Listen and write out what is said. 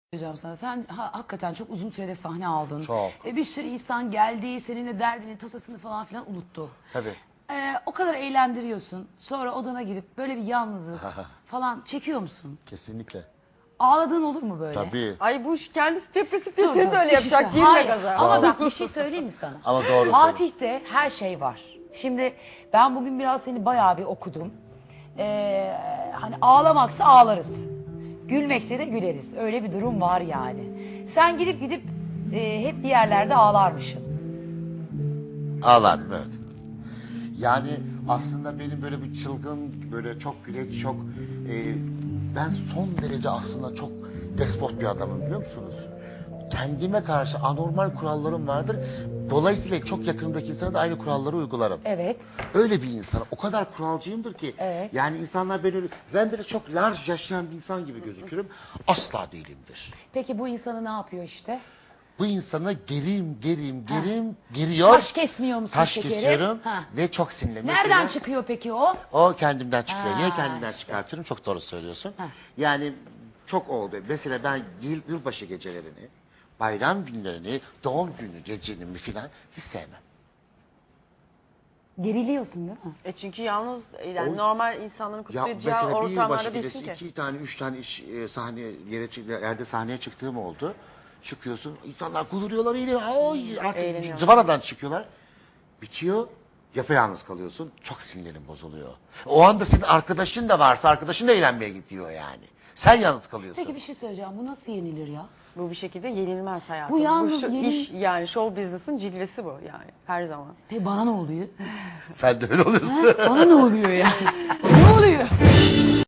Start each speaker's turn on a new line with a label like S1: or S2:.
S1: Hocam sana sen hakikaten çok uzun sürede sahne aldın.
S2: Çok.
S1: Bir sürü insan geldi, seninle derdini, tasasını falan filan unuttu.
S2: Tabii.
S1: O kadar eğlendiriyorsun. Sonra odana girip böyle bir yalnızlık falan çekiyor musun?
S2: Kesinlikle.
S1: Ağladığın olur mu böyle?
S2: Tabii.
S3: Ay bu kendisi depresif
S1: Dur,
S3: de seni
S1: dur,
S3: de öyle
S1: bir şey
S3: yapacak.
S1: söyle.
S3: Girme
S1: Hayır,
S3: gaza.
S1: ama bak bir şey söyleyeyim mi sana?
S2: Ama doğru
S1: Fatih'te her şey var. Şimdi ben bugün biraz seni bayağı bir okudum. Hani ağlamaksa ağlarız. Gülmekse de güleriz. Öyle bir durum var yani. Sen gidip hep bir yerlerde ağlarmışsın.
S2: Ağlardım, evet. Yani aslında benim böyle bir çılgın, böyle çok güleç, çok... ben son derece aslında çok despot bir adamım, biliyor musunuz? Kendime karşı anormal kurallarım vardır. Dolayısıyla çok yakınımdaki insana da aynı kuralları uygularım.
S1: Evet.
S2: Öyle bir insan. O kadar kuralcıyımdır ki.
S1: Evet.
S2: Yani insanlar ben böyle çok large yaşayan bir insan gibi gözükürüm. Asla değilimdir.
S1: Peki bu insanı ne yapıyor işte?
S2: Bu insanı geriyor.
S1: Taş kesmiyor musun
S2: Taş
S1: şekerim?
S2: kesiyorum
S1: Ha.
S2: ve çok sinirli.
S1: Nereden
S2: Mesela
S1: çıkıyor peki o?
S2: o kendimden çıkıyor. Niye
S1: Ha,
S2: kendimden
S1: işte.
S2: çıkartıyorum? Çok doğru söylüyorsun.
S1: Ha.
S2: Yani çok oldu. Mesela ben yılbaşı gecelerini, bayram günlerini, doğum günü gecelerimi falan hiç sevmem.
S1: Geriliyorsun değil mi?
S3: Çünkü yalnız yani normal insanların
S2: Ya
S3: kutlayacağı
S2: mesela bir yılbaşı
S3: ortamlarda
S2: gecesi
S3: değilsin ki.
S2: 2 tane 3 tane yerde sahneye çıktığım oldu. Çıkıyorsun, insanlar kuduruyorlar, eğleniyor. Artık
S3: Eğleniyor.
S2: zıvanadan çıkıyorlar. Bitiyor, yapayalnız kalıyorsun. Çok sinirin bozuluyor. O anda senin arkadaşın da varsa arkadaşın da eğlenmeye gidiyor yani. Sen yalnız kalıyorsun.
S1: Peki bir şey söyleyeceğim. Bu nasıl yenilir ya?
S3: Bu bir şekilde yenilmez hayatım.
S1: Bu yalnız
S3: iş yani show business'ın cilvesi bu yani her zaman.
S1: Peki bana ne oluyor?
S2: Sen de öyle oluyorsun.
S1: Bana ne oluyor yani? Ne oluyor?